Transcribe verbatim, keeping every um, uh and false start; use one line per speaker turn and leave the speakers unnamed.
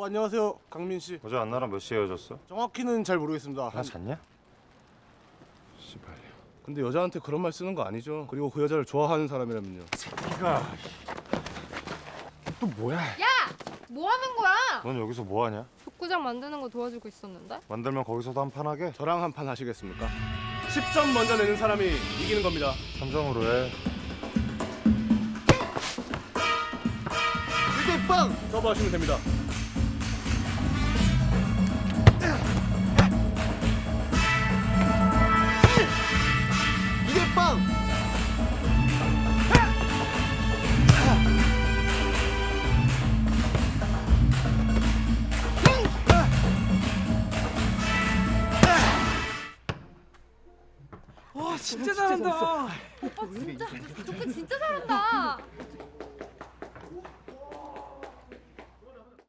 안녕하세요, 강민 씨.
어제 안나랑 몇 시에 헤어졌어?
정확히는 잘 모르겠습니다.
나 잤냐? 씨발.
근데 여자한테 그런 말 쓰는 거 아니죠? 그리고 그 여자를 좋아하는 사람이라면요.
새끼가 또 뭐야?
야! 뭐 하는 거야?
넌 여기서 뭐 하냐?
족구장 만드는 거 도와주고 있었는데?
만들면 거기서도 한 판 하게?
저랑 한 판 하시겠습니까? 십 점 먼저 내는 사람이 이기는 겁니다.
삼 점으로 해.
이제 빵! 서브하시면 됩니다. 이게 빵!
와 진짜 잘한다.
오빠 진짜 족구 진짜 잘한다.